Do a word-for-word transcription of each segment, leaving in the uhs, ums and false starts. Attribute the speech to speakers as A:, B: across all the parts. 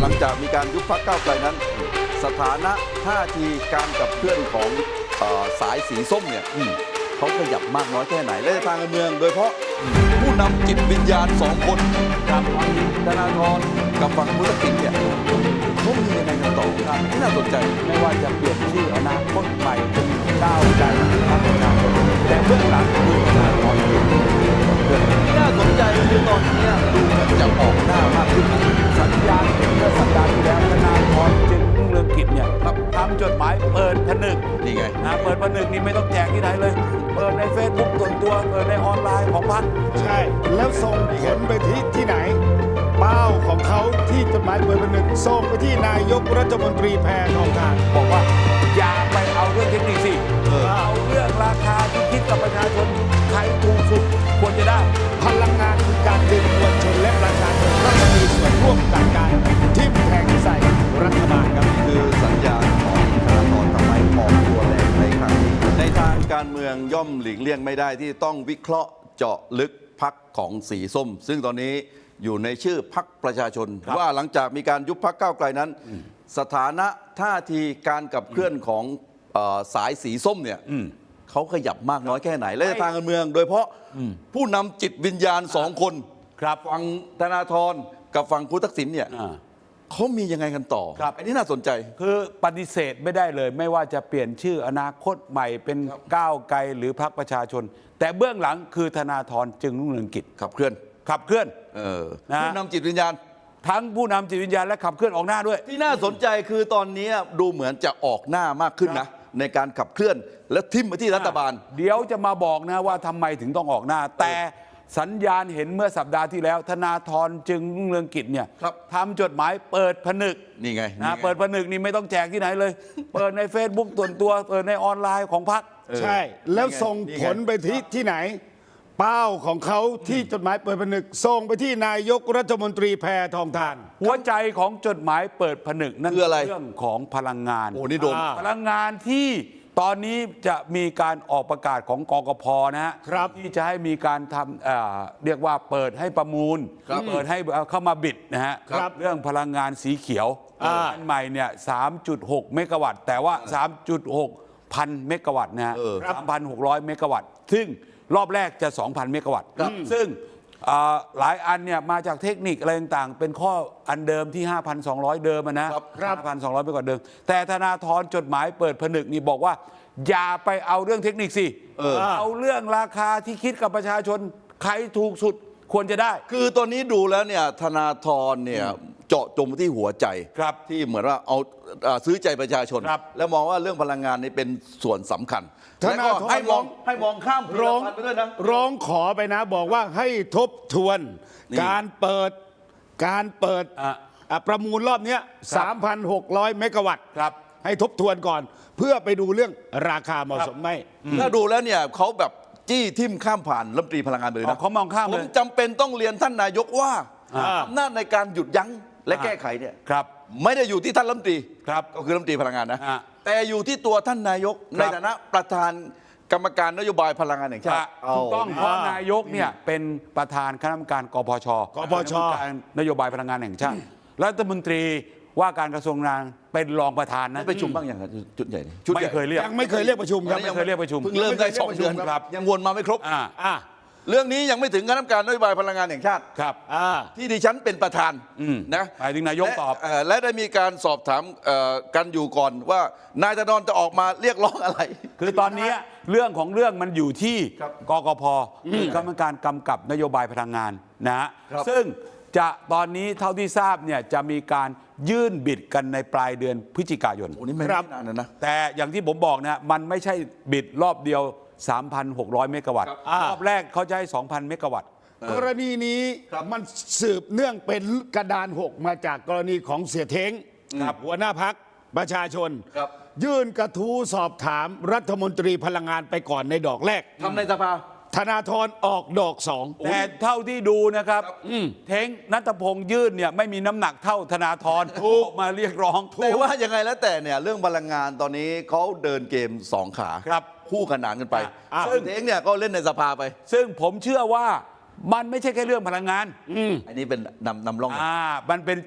A: ลังจากมีการยุบพรรคก้าวไกลนั้น สถานะท่าทีการกับเพื่อนของเอ่อสายสีส้มเนี่ยเขาขยับมากน้อยแค่ไหนและทางการเมืองโดยเฉพาะผู้นำจิตวิญญาณสองคนกับฝั่งธนาธรกับฝั่งคุณทักษิณเนี่ยเขามียังไงกันต่อครับที่น่าสนใจไม่ว่าจะเปลี่ยนชื่ออนาคตใหม่เป็นก้าวไกลพรรคประชาชนแต่เบื้องหลังคือธนาธรที่น่าสนใจคือตอนนี้ดูเหมือนจะออกหน้ามากขึ้นสัญญาณเมื่อสัปดาห์ที่แล้วธนาธรจึงรุ่งเรืองกิจเนี่ยทำจดหมายเปิดผนึกนี่ไงนะเปิดผนึกนี่ไม่ต้องแจกที่ไหนเลยเปิดใน เฟซบุ๊ก ส่วนตัวเปิดในออนไลน์ของพรรค
B: ใช่แล้วส่งผลไปที่ที่ไหนเป้าของเขาที่จดหมายเปิดผนึกส่งไปที่นายกรัฐมนตรีแพทองทาน
A: บอกว่าอย่าไปเอาเรื่องเทคนิคสิเออเอาเรื่องราคาที่คิดกับประชาชนใครถูกสุดควรจะได้
B: พลังงานคือการดึงมวลชนและประชาชนเข้ามามีส่วนร่วมกับการทิ่มแทงใส่รัฐบาลครับ
A: คือสัญญาณของธนาธรทำไมออกตัวแรงในครั้งนี้ในทางการเมืองย่อมหลีกเลี่ยงไม่ได้ที่ต้องวิเคราะห์เจาะลึกพรรคของสีส้มซึ่งตอนนี้อยู่ในชื่อพรรคประชาชนว่าหลังจากมีการยุบพรรคก้าวไกลนั้นสถานะท่าทีการกับเคลื่อนของสายสีส้มเนี่ยเขาขยับมากน้อยแค่ไหนและทางการเมืองโดยเฉพาะผู้นำจิตวิญญาณสองคนครับฝั่งธนาธรกับฝั่งคุณทักษิณเนี่ยเขามียังไงกันต่อครับอันนี้น่าสนใจ
C: คือปฏิเสธไม่ได้เลยไม่ว่าจะเปลี่ยนชื่ออนาคตใหม่เป็นก้าวไกลหรือพรรคประชาชนแต่เบื้องหลังคือธนาธรจึงรุ่งเรืองกิจ
A: ขับเคลื่อน
C: ขับเคลื่อน
A: เออผู้นำจิตวิญญาณ
C: ทั้งผู้นำจิตวิญญาณและขับเคลื่อนออกหน้าด้วย
A: ที่น่าสนใจคือตอนนี้ดูเหมือนจะออกหน้ามากขึ้นนะในการขับเคลื่อนและทิ่มไปที่รัฐบาล
C: เดี๋ยวจะมาบอกนะว่าทำไมถึงต้องออกหน้าแต่สัญญาณเห็นเมื่อสัปดาห์ที่แล้วธนาธรจึงรุ่งเรืองกิจเนี่ยทำจดหมายเปิดผนึก
A: นี่ไง
C: นะเปิดผนึกนี่ไม่ต้องแจกที่ไหนเลยเปิดใน เฟซบุ๊ก ส่วนตัวเปิดในออนไลน์ของพรรค
B: ใช่แล้วส่งผลไปที่ที่ไหนเป้าของเขาที่จดหมายเปิดผนึกส่งไปที่นายกรัฐมนตรีแพทองทาน
C: หัวใจของจดหมายเปิดผนึกนั่น
A: คืออะไร
C: เรื่องของพลังงาน
A: โอ้นี่โดน
C: พลังงานที่ตอนนี้จะมีการออกประกาศของกกพ.นะฮะที่จะให้มีการทำเอ่อเรียกว่าเปิดให้ประมูลเปิดให้เข้ามาบิดนะฮะเรื่องพลังงานสีเขียวอันใหม่เนี่ย สามจุดหก เมกะวัตต์แต่ว่า สามจุดหก พันเมกะวัตต์นะฮะ สามพันหกร้อย เมกะวัตต์ซึ่งรอบแรกจะ สองพัน เมกะวัตต์ซึ่งหลายอันเนี่ยมาจากเทคนิคอะไรต่างๆเป็นข้ออันเดิมที่ ห้าพันสองร้อย เดิมนะ ห้าพันสองร้อย ไปกว่าเดิมแต่ธนาธรจดหมายเปิดผนึกนี่บอกว่าอย่าไปเอาเรื่องเทคนิคสิเออเอาเรื่องราคาที่คิดกับประชาชนใครถูกสุดควรจะได้
A: คือตอนนี้ดูแล้วเนี่ยธนาธรเนี่ยเจาะจงที่หัวใจที่เหมือนว่าเอาซื้อใจประชาชนแล้วมองว่าเรื่องพลังงานนี่เป็นส่วนสำคัญ
B: แล้วก็
A: ให้มองให้มองข้าม
B: ร้องไปด้วยนะร้องขอไปนะบอกว่าให้ทบทวนการเปิดการเปิดประมูลรอบนี้ สามพันหกร้อย เมกะวัตต์ให้ทบทวนก่อนเพื่อไปดูเรื่องราคาเหมาะสมไหม
A: ถ้าดูแล้วเนี่ยเขาแบบจี้ทิ่มข้ามผ่านรัฐมนตรีพลังงานเลยนะ
C: เขามองข้ามเลย
A: ผมจำเป็นต้องเรียนท่านนายกว่าอำนาจในการหยุดยั้งและแก้ไขเนี่ยไม่ได้อยู่ที่ท่านรัฐมนตรีก็คือรัฐมนตรีพลังงานนะแต่อยู่ที่ตัวท่านนายกในฐานะประธานกรรมการนโยบายพลังงานแห่งชาติ
C: ถูกต้องเพราะนายกเนี่ยเป็นประธานคณะกรรมการกพช
B: กพช
C: นโยบายพลังงานแห่งชาติรัฐมนตรีว่าการกระทรวงงานเป็นรองประธานนะ
A: ไปประชุมบ้างอย่างจุดใหญ่
C: ไม่เคยเรียก
B: ยังไม่เคยเรียกประชุมครับ
C: ไม่เคยเรียกประชุม
A: เพิ่งเริ่มได้สองเดือนครับยังวนมาไม่ครบ
C: อ่า
A: เรื่องนี้ยังไม่ถึงคณะกรรมการนโยบายพลังงานแห่งชาติ
C: ครับ
A: ที่ดิฉันเป็นประธานนะ
C: หมายถึงนายกตอบ
A: และได้มีการสอบถามกันอยู่ก่อนว่านายธนรจะออกมาเรียกร้องอะไร
C: คือตอนนี้เรื่องของเรื่องมันอยู่ที่กกพ.คือกรรมการกำกับนโยบายพลังงานนะฮะซึ่งจะตอนนี้เท่าที่ทราบเนี่ยจะมีการยื่นบิดกันในปลายเดือนพฤศจิกายน
A: โอ้นี่ไม่นานนะ
C: แต่อย่างที่ผมบอกนะมันไม่ใช่บิดรอบเดียว สามพันหกร้อย เมกะวัตต์รอบแรกเขาจะให้ สองพัน เมกะวัตต์
B: กรณีนี้มันสืบเนื่องเป็นกระดานหกมาจากกรณีของเสียเท้งหัวหน้าพรรคประชาชนยื่นกระทู้สอบถามรัฐมนตรีพลังงานไปก่อนในดอกแรก
A: ทำในสภา
B: ธนาธรออกดอกสอง
C: แต่เท่าที่ดูนะครับเท้งณัฐพงษ์ยื่นเนี่ยไม่มีน้ำหนักเท่าธนาธรถูกมาเรียกร้อง
A: แต่ว่ายังไงแล้วแต่เนี่ยเรื่องพลังงานตอนนี้เขาเดินเกมสองขา
C: ครับ
A: คู่ขนานกันไปซึ่งเท้งเนี่ยก็เล่นในสภาไป
C: ซึ่งผมเชื่อว่ามันไม่ใช่แค่เรื่องพลังงาน
A: อันนี้เป็นนำนำร่อง
C: อ่ามันเป็นจุด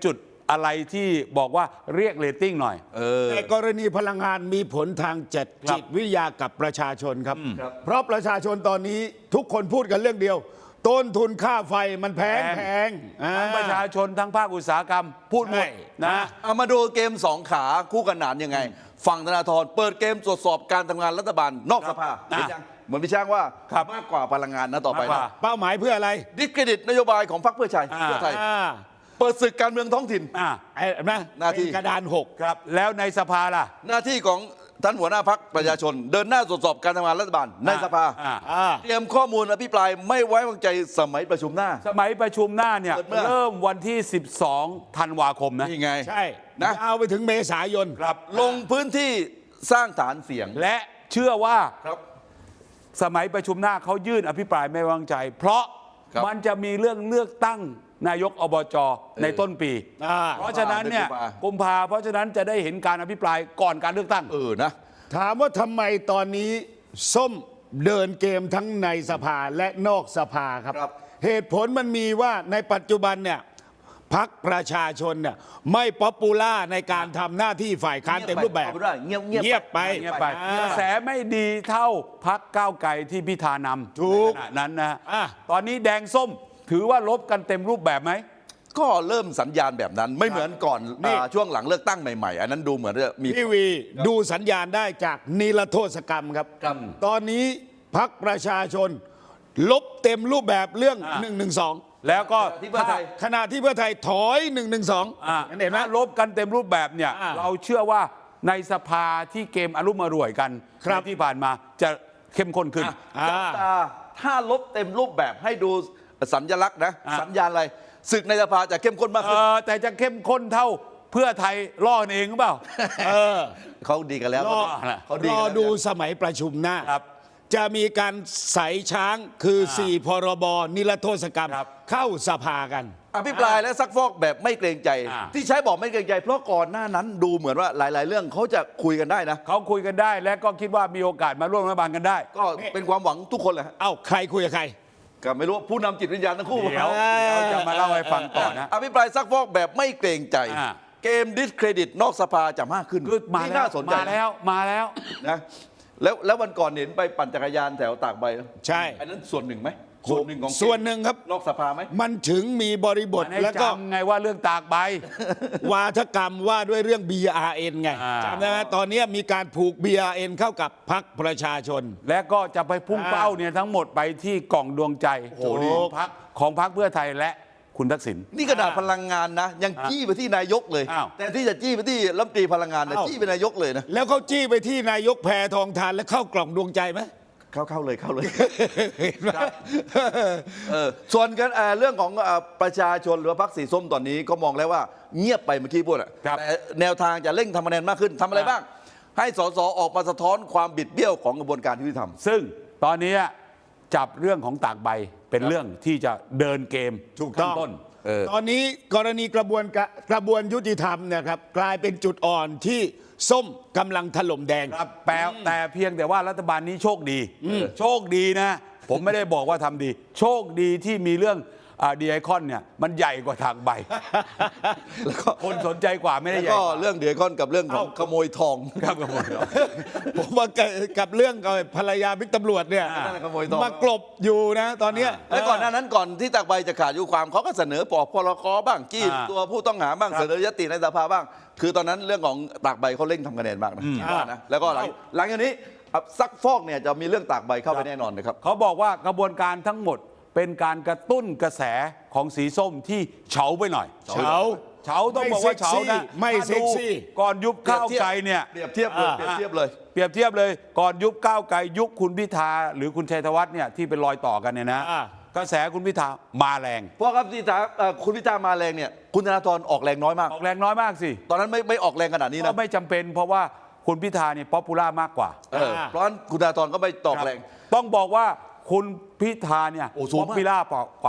C: อะไรที่บอกว่าเรียกเรตติ้งหน่อย
A: เออ
B: แต่กรณีพลังงานมีผลทางจิต
C: ครับ
B: จิตวิทยากับประชาชนครับ
A: ครับ
B: เพราะประชาชนตอนนี้ทุกคนพูดกันเรื่องเดียว ต้นทุนค่าไฟมันแพง
C: แพง
B: แพงอ่า
C: ทั้งประชาชนทั้งภาคอุตสาหกรรมพูดหมด
B: ใช่
C: นะ
A: เอามาดูเกมสองขาคู่ขนานยังไง ฝั่งธนาธรเปิดเกมตรวจสอบการทำงานรัฐบาลนอกสภา
C: อ่ะ
A: เห็นยังเหมือนพี่ช้างว่า
C: ครับ
A: มากกว่าพลังงานนะต่อไป
C: มากกว่า
A: นะ
B: เป้าหมายเพื่ออะไร
A: ดิสเครดิตนโยบายของพรรคเพื่อไทย
C: อ่า
A: เพื่อไทย
B: อ่า
A: เปิดศึกการเมืองท้องถิ่น
C: อ่า
B: ไอ้นะ
A: หน้าที่
B: เป็นกระดานหก
C: ครับแล้วในสภาล่ะ
A: หน้าที่ของท่านหัวหน้าพรรคประชาชน เดินหน้าตรวจสอบการทำงานรัฐบาลในสภา
C: อ่า
B: อ่า
A: เตรียมข้อมูลอภิปรายไม่ไว้วางใจสมัยประชุมหน้า
C: สมัยประชุมหน้าเนี่ย
A: เปิดเมื่อ
C: เริ่มวันที่ สิบสอง ธันวาคมนะ
A: นี่ไง
B: ใช่
A: นะ
B: เอาไปถึงเมษายน
C: ครับ
A: ลงพื้นที่สร้างฐานเสียง
C: และเชื่อว่า
A: ครับ
C: สมัยประชุมหน้าเขายื่นอภิปรายไม่ไว้วางใจ เพราะ
A: ครับ
C: มันจะมีเรื่องเลือกตั้งนายกอบจในต้นปี
B: อ่า
C: เพราะฉะนั้นเนี่ย
A: กุมภา
C: กุมภาเพราะฉะนั้นจะได้เห็นการอภิปรายก่อนการเลือกตั้ง
A: เออนะ
B: ถามว่าทำไมตอนนี้ส้มเดินเกมทั้งในสภาและนอกสภาครับ
A: ครับ
B: เหตุผลมันมีว่าในปัจจุบันเนี่ยพักประชาชนเนี่ยไม่ป๊อปปูล่าในการทำหน้าที่ฝ่ายค้านเต็มรูปแบบ
A: เอาไปด้วยเงียบเงียบ
B: เงียบไป
C: เงียบไป
B: อ่าก
C: ระแสไม่ดีเท่าพักก้าวไกลที่พิธานำ
B: ถูก
C: ในขณะนั้นนะ
B: อ่ะ
C: ตอนนี้แดงส้มถือว่าลบกันเต็มรูปแบบไหม
A: ก็เริ่มสัญญาณแบบนั้นไม่เหมือนก่อน
B: นี่
A: อ่าช่วงหลังเลือกตั้งใหม่ๆ อันนั้นดูเหมือนจะมี
B: พี่วีดูสัญญาณได้จากนิรโทษกรรมครับ
A: ครับ
B: ตอนนี้พักประชาชน ลบเต็มรูปแบบเรื่อง
C: อ่ะ
B: หนึ่งหนึ่งสอง
C: แล้วก็
A: ที่เพื่อไทย
B: ขณะที่เพื่อไทยถอยหนึ่งหนึ่งสอง
C: อ่ะ
B: เห็นไหม
C: ถ้าลบกันเต็มรูปแบบเนี่ย
B: อ่ะ
C: เราเชื่อว่าในสภาที่เกมอารมณ์อร่วยกัน
B: ครับ
C: ในที่ผ่านมาจะเข้มข้นขึ้น
B: อ่า
A: จับตาถ้าลบเต็มรูปแบบให้ดูสัญลักษณ์นะ
C: อ่ะ
A: สัญญาณอะไรศึกในสภาจะเข้มข้นมาก
C: เอ
A: ขึ้น
C: อแต่จะเข้มข้นเท่าเพื่อไทยล่อกันเองหรือเปล่า
B: เออ
A: เขาดีกันแล้ว
B: รอ
A: เขาดี
B: ร
A: กัน
B: อ
A: แล้ว
B: ดูสมัยประชุมหน้า
C: ครับ
B: จะมีการใส่ช้างคือ สี่ พรบนิรโทษกรรม
C: ครับ
B: เข้าสภากัน
A: อภิปรายและซักฟอกแบบไม่เกรงใจ
C: อ่า
A: ที่ใช้บอกไม่เกรงใจ เพราะก่อนหน้านั้นดูเหมือนว่าหลาย ๆ เรื่องเขาจะคุยกันได้นะ
C: เขาคุยกันได้และก็คิดว่ามีโอกาสมาร่วมรัฐบาลกันได้
A: ก็เป็นความหวังทุกคนแหละฮะ
B: เอ้าใครคุยกับใคร
A: ก็ไม่รู้ผู้นำจิตวิญญาณทั้งคู่
C: เดี๋ยวเดี๋ยวจะมาเล่าให้ฟังต่อนะ
A: อภิปรายซักฟอกแบบไม่เกรงใจ
C: อ่า
A: เกมดิสเครดิตนอกสภาจะมากขึ้น
C: คือมา
A: นี่
C: แล้ว
A: น่าสนใจ
C: มาแล้วมาแล้ว
A: นะแล้วแล้ววันก่อนเห็นไปปั่นจักรยานแถวตากใบ
B: ใช่
A: อันนั้นส่วนหนึ่งไหมส่วนหนึ่งของ
B: ส่วนหนึ่งครับ
A: นอกสภาไหม
B: มันถึงมีบริบท
C: มันให้
B: แล้วก็
C: จำไงว่าเรื่องตากใบ
B: วาทกรรมว่าด้วยเรื่อง บี อาร์ เอ็น ไง
C: อ่า
B: จำได้ไหมตอนนี้มีการผูก บี อาร์ เอ็น เข้ากับพรรคประชาชน
C: และก็จะไปพุ่ง
B: อ่า
C: เป้าเนี่ยทั้งหมดไปที่กล่องดวงใจ
B: โอ้โห
C: ของพรรคของพรรคเพื่อไทยและคุณทักษิณ
A: นี่ขนาดพลังงานนะ ยังจี้ไปที่นายกเลย
C: อ้าว
A: แต่ที่จะจี้ไปที่รัฐมนตรีพลังงานนะ
B: อ้าว
A: จี้ไปนายกเลยนะ
B: แล้วเขาจี้ไปที่นายกแพทองทานแล้วเข้ากล่องดวงใจไหม
A: เข้าเข้าเลยเข้าเลย
B: เห็นไหม
A: เออส่วนกันเอ่อเรื่องของเอ่อประชาชนหรือว่าพรรคสีส้มตอนนี้ก็มองแล้วว่าเงียบไปเมื่อกี้พูดอะ
C: ครับ
A: แต่แนวทางจะเร่งทำคะแนนมากขึ้นทำอะไร
C: อ่า
A: บ้าง ให้สสออกมาสะท้อนความบิดเบี้ยวของกระบวนการยุติธรรม
C: ซึ่งตอนนี้จับเรื่องของตากใบเป็นเรื่องที่จะเดินเกม
B: ถูกต้อง
C: ขั้นต้น
A: เออ
B: ตอนนี้กรณีกระบวนกะกระบวนยุติธรรมเนี่ยครับกลายเป็นจุดอ่อนที่ส้มกำลังถล่มแดง
C: ครับแปลแต่เพียงแต่ว่ารัฐบาลนี้โชคดี โชคดีนะ ผมไม่ได้บอกว่าทำดี โชคดีที่มีเรื่องดีไอคอนเนี่ยมันใหญ่กว่าทางใบ
A: แล้วก็
C: คนสนใจกว่าไม่ได้
A: แล้ว
C: ใหญ่
A: ก็
C: กว่า
A: เรื่องเดือดก้อนกับเรื่องของ
B: เอ้า
A: ขโมยทอง
C: ครับครับผม
B: ผมว่ากับกับเรื่องกับภรรยาบิ๊กตำรวจเนี่ย
C: อ่า
A: นั่นแหละขโมยทอง
B: มากลบอยู่นะตอนเนี้ย
A: แล้วก่อนหน้านั้นก่อนที่ตากใบจะขาดอายุความเขาก็เสนอปอกพลกบ้างจี้
C: อ่า
A: ตัวผู้ต้องหาบ้าง
C: ครับ
A: เสนอยติในสภาบ้าง คือตอนนั้นเรื่องของตากใบเขาเร่งทำคะแนนมากนะคิดว่านะแล้วก็หลังหลังจากนี้อ่ะซักฟอกเนี่ยจะมีเรื่องตากใบเข้าไปแน่นอนนะครับ
C: เขาบอกว่ากระบวนการทั้งหมดเป็นการกระตุ้นกระแสของสีส้มที่เฉาไปหน่อย
B: เฉา
C: เฉาต้องบอกว่าเฉานะ
B: ไม่เซ็กซี่
C: ถ้าดูก่อนยุบก้าวไกลเนี่ย
A: เปรียบเทียบเลย
B: อ่า
A: เปรียบเทียบเลย
C: เปรียบเทียบเลยก่อนยุบก้าวไกลยุคคุณพิธาหรือคุณชัยธวัฒน์เนี่ยที่เป็นรอยต่อกันเนี่ยนะ
B: อ่า
C: กระแสคุณพิธามาแรง
A: เพราะครับที่ถามเอ่อคุณพิธามาแรงเนี่ยคุณธนาธรออกแรงน้อยมาก
C: ออกแรงน้อยมากสิ
A: ตอนนั้นไม่ไม่ออกแรงขนาดนี้
C: ก็
A: นะ
C: ไม่จำเป็นเพราะว่าคุณพิธาเนี่ยป๊อปปูล่ามากกว่า
A: เออเพราะฉะนั้นคุณธนาธรก็ไม่ตอกแรง
C: ต้องบอกว่าคุณพิธาเนี่ย
A: โอ้สูง
C: ป๊อป
A: มาก
C: ปูล่ากว่ากว่าพัก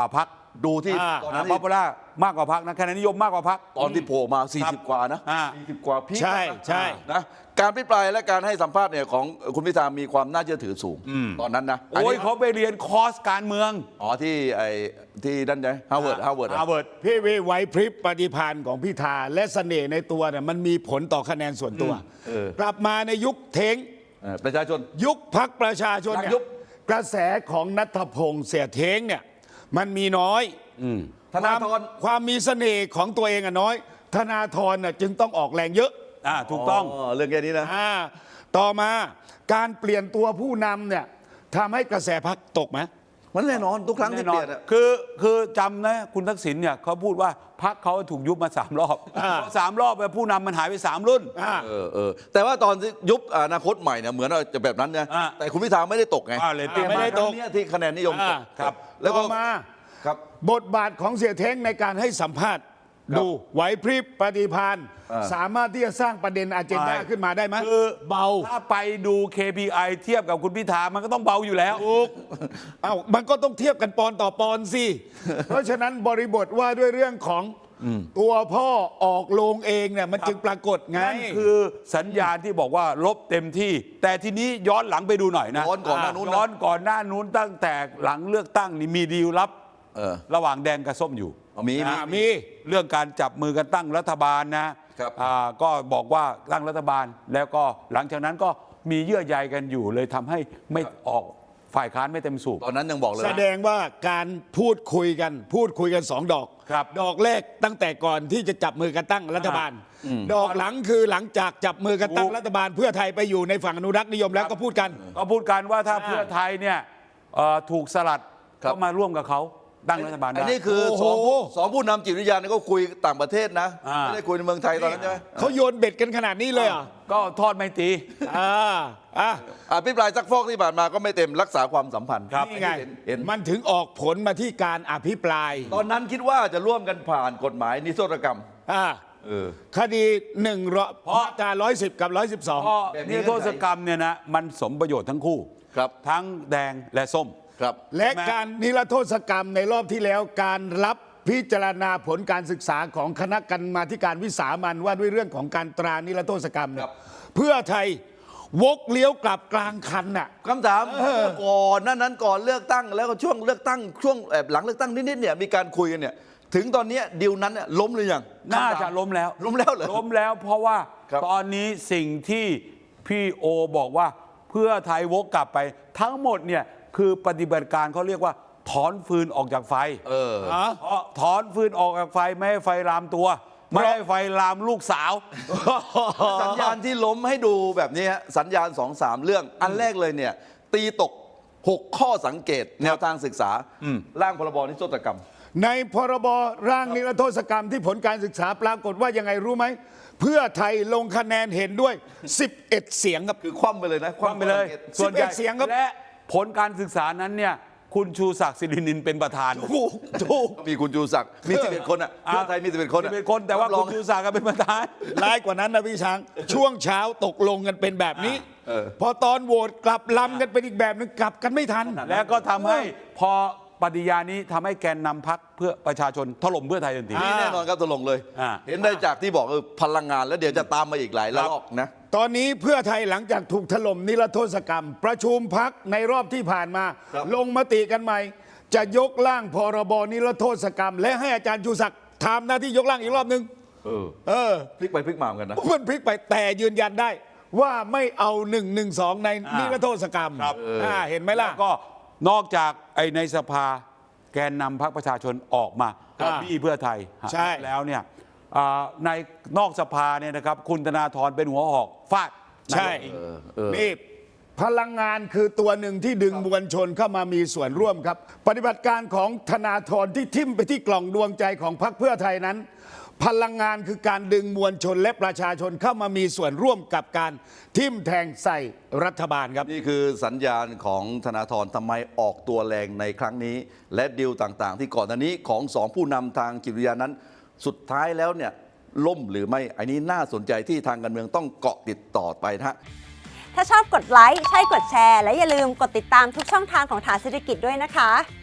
A: ดูที่
B: อ่า
A: ตอนนั้น
C: ป๊อปปูล่ามากกว่าพรรคนะคะแนนนิยมมากกว่าพรรค
A: ตอนที่โผล่มา
C: ครับ
A: 40 กว่านะ
C: อ่า
A: สี่สิบกว่าพีค
B: ใช่ใช่
A: นะการพิปรายและการให้สัมภาษณ์เนี่ยของคุณพิธามีความน่าเชื่อถือสูง ตอนนั้นนะ
C: โอ้ย
A: นนี้
C: เขาไปเรียนคอร์สการเมือง
A: อ๋อที่ไอ้ที่นั่นไงฮาวเวิร์ดฮาวเวิร์ด
C: ฮาร์วาร์ด
B: พี่วิไหวพริบปฏิภาณของพิธาและเสน่ห์ในตัวเนี่ยมันมีผลต่อคะแนนส่วนตัว กลับมาในยุคเท้ง
A: ประชาชน
B: ยุคพักประชาชนเนี่
A: หลังยุ
B: ย
A: บ
B: กระแสของนัทพงษ์เสียเท้งเนี่ยมันมีน้อย
A: ธนาธร
B: ความความมีเสน่ห์ของตัวเองอะน้อย ธนาธรน่ะจึงต้องออกแรงเยอะ
C: อ่าถูกต้อง
A: เรื่องแค่นี้นะ
B: อ่าต่อมาการเปลี่ยนตัวผู้นำเนี่ยทำให้กระแสพักตกไหม
A: มันแน่นอนทุกครั้ง
C: แน่
A: ที่
C: น
A: เป
C: อ
A: ลี่
C: น
A: ยนอะ
C: คือคือจำนะคุณทักษิณเนี่ยเขาพูดว่าพรรคเขาถูกยุบมาสามรอบ
B: อ่า
C: สามรอบไปผู้นำมันหายไปสามรุ่น
B: อ่า
A: เออเออแต่ว่าตอนที่ยุบอนาคตใหม่เนี่ยเหมือนว่าจะแบบนั้นนะ
C: อ่า
A: แต่คุณพิธาไม่ได้ตกไง
C: อ่าเลยตติ้ง
B: ไม่ได้ตก
A: ครั้งเนี้ยที่คะแนนนิยมต
B: อ่าก
C: ครับ
A: แล้วก็
B: ต่อมา
A: ครับ
B: บทบาทของเสียเท้งในการให้สัมภาษณ์
A: ครับ
B: ดูไหวพริบปฏิภาณ
A: อ่า
B: สามารถที่จะสร้างประเด็นอาเจนดา
C: ใช่
B: ขึ้นมาได้ไหม
C: คือ
B: เบา
C: ถ้าไปดู เค พี ไอ เทียบกับคุณพิธามันก็ต้องเบาอยู่แล้ว
B: ถูกเอ้ามันก็ต้องเทียบกันปอนต่อปอนสิ เพราะฉะนั้นบริบทว่าด้วยเรื่องของตัวพ่อออกโรงเองเนี่ยมันจึงปรากฏไง
C: นั่นคือสัญญาณที่บอกว่าลบเต็มที่ แต่ทีนี้ย้อนหลังไปดูหน่อยนะ
A: ย้อนก่อนหน้านู้นนะ
C: ย้อนก่อนหน้านู้นตั้งแต่หลังเลือกตั้งนี่มีดีลลับ
A: เออ
C: ระหว่างแดงกับส้มอยู่
A: เอามีมี
B: อ่ามี
C: เรื่องการจับมือกันตั้งรัฐบาลนะครับ อ่าก็บอกว่าตั้งรัฐบาล แล้วก็หลังจากนั้นก็มีเยื่อใยกันอยู่เลยทำให้ไม่ออกฝ่ายค้านไม่เต็มสูบ
A: ตอนนั้นยังบอกเลย
B: แสดงว่าการพูดคุยกัน พูดคุยกันสองดอก
C: ครับ
B: ดอกแรกตั้งแต่ก่อนที่จะจับมือกันตั้งรัฐบาล ดอกหลังคือหลังจากจับมือกันตั้ง
C: ถูก
B: รัฐบาล เพื่อไทยไปอยู่ในฝั่งอนุรักษ์นิยมแล้วก็พูดกัน
C: ก็พูดกันว่าถ้า
B: อ่า
C: เพื่อไทยเนี่ยเอ่อถูกสลัด
A: ครับ
C: ก็มาร่วมกับเขาตั้งรัฐบาล
A: อัน
C: ได้
A: นี้คือ
B: โอ้โห
A: สองสองผู้นำจิตวิทยาเนี่ยก็คุยต่างประเทศนะ
C: อ่า
A: ไม่ได้คุยในเมืองไทยตอนนั้นใช่ไหม
B: เขาโยนเบ็ดกันขนาดนี้เลยเหรอ
C: ก็ทอดไม่ตรี
B: อ่าอ่ะ
A: อภิปรายซักฟอกที่ผ่านมาก็ไม่เต็มรักษาความสัมพันธ์
C: ครับ
B: นี่ไง
A: เห็นเห็น
B: มันถึงออกผลมาที่การอภิปราย
A: ตอนนั้นคิดว่าจะร่วมกันผ่านกฎหมายนิรโทษกรรม
B: อ่า
A: เออ
B: คดีหนึ่งร้อย
C: เพราะ
B: มาตราร้อยสิบกับร้อยสิบสอง
C: เพราะ
A: แบบนี้
C: นิรโทษกรรมเนี่ยนะมันสมประโยชน์ทั้งคู่
A: ครับ
C: ทั้งแดงและส้ม
A: ครับ
B: และการนิรโทษกรรมในรอบที่แล้วการรับพิจารณาผลการศึกษาของคณะกรรมาธิการวิสามันว่าด้วยเรื่องของการตรานิรโทษกรรมเนี่
A: ครั
B: ย
A: บ
B: เพื่อไทยวกเลี้ยวกลับกลางคันน่ะ
A: คำถามก่อนหนั้นนั้นก่อนเลือกตั้งแล้วก็ช่วงเลือกตั้งช่วงแอบหลังเลือกตั้งนิดๆเนี่ยมีการคุยกันเนี่ยถึงตอนเนี้ยดีลนั้นเนี่ยล้มหรือยัง
C: น่าจะล้มแล้ว
A: ล้มแล้วเหรอ
C: ล้มแล้วเพราะว่า
A: ครับ
C: ตอนนี้สิ่งที่พี่โอบอกว่าเพื่อไทยวกกลับไปทั้งหมดเนี่ยคือปฏิบัติการเขาเรียกว่าถอนฟืนออกจากไฟ
A: เออ
C: เพราะถอนฟืนออกจากไฟไม่ให้ไฟลามตัว ไม่ให้ไฟลามลูกสาว
A: สัญญาณที่ล้มให้ดูแบบนี้ฮะสัญญาณสองสามเรื่อง อันแรกเลยเนี่ยตีตก หก ข้อสังเกต แนวทางศึกษาร่างพรบนิรโทษกรรม
B: ในพรบร่างนิรโทษกรรมที่ผลการศึกษาปรากฏว่ายังไงรู้ไหม เพื่อไทยลงคะแนนเห็นด้วย สิบเอ็ด เสียงครับ
A: คือคว่ำไปเลยนะ
C: คว่ำไปเลย
A: ข้อสังกต
B: ส่วนใหญ่เสียงครับ
C: และผลการศึกษานั้นเนี่ยคุณชูศักดิ์สิรินินเป็นประธาน
B: ถูกถูก
A: มีคุณจูศักดิ์มีสิบเอ็ดคนอ่ะเพื่อไทยมีสิบเอ็ดคนอะ
C: เป็นคนแต่ว่า
A: รับร
C: คุ
A: อง
C: ณชูศักดิ์ก็เป็นประธาน
B: ร้ายกว่านั้นนะพี่ช้าง ช่วงเช้าตกลงกันเป็นแบบนี้
A: เออ
B: พอตอนโหวตกลับลำกันเป็นอีกแบบนึงกลับกันไม่ทัน
C: แล้วก็ทำให้พอปฏิญาณนี้ทำให้แกนนำพักเพื่อประชาชนถล่มเพื่อไทยทันที
B: อ่า
A: นี่แน่นอนครับตกลงเลย
C: อ่า
A: เห็นได้จากที่บอกเออพลังงานแล้วเดี๋ยวจะตามมาอีกหลายระลอกนะ
B: ตอนนี้เพื่อไทยหลังจากถูกถล่มนิรโทษกรรม ประชุมพักในรอบที่ผ่านมา
A: ครับ
B: ลงมติกันใหม่ จะยกร่างพรบนิรโทษกรรม และให้อาจารย์ชูศักดิ์ทำหน้าที่ยกร่างอีกรอบนึง
A: เออ
B: เออ
A: พลิกไปพลิกมาเหมือนกันนะ
B: มันพลิกไปแต่ยืนยันได้ ว่าไม่เอาหนึ่งหนึ่งสองใน
C: อ่านิ
B: นิรโทษกรรม
C: ครับ
B: อ่าเห็นไหมล่ะ
C: แล้วก็นอกจากไอ้ในสภาแกนนำพักประชาชนออกมา
B: อ่า
C: บี้เพื่อไทย
B: ใช่
C: แล้วเนี่ยอ่าในนอกสภาเนี่ยนะครับคุณธนาธรเป็นหัวหอกฟาด
B: ใช่
C: นายกอิง
A: เออเออ
B: นี่พลังงานคือตัวหนึ่งที่ดึงมวลชนเข้ามามีส่วนร่วมครับ ปฏิบัติการของธนาธรที่ทิ่มไปที่กล่องดวงใจของพรรคเพื่อไทยนั้น พลังงานคือการดึงมวลชนและประชาชนเข้ามามีส่วนร่วมกับการทิ่มแทงใส่รัฐบาลครับ
A: นี่คือสัญญาณของธนาธรทำไมออกตัวแรงในครั้งนี้ และดีลต่างๆ ที่ก่อนหน้านี้ของสองผู้นำทางจิตวิทยานั้น สุดท้ายแล้วเนี่ยล่มหรือไม่ อันนี้น่าสนใจที่ทางการเมืองต้องเกาะติดต่อไปนะฮะ
D: ถ้าชอบกดไลค์ใช่กดแชร์ และอย่าลืมกดติดตามทุกช่องทางของฐานเศรษฐกิจด้วยนะคะ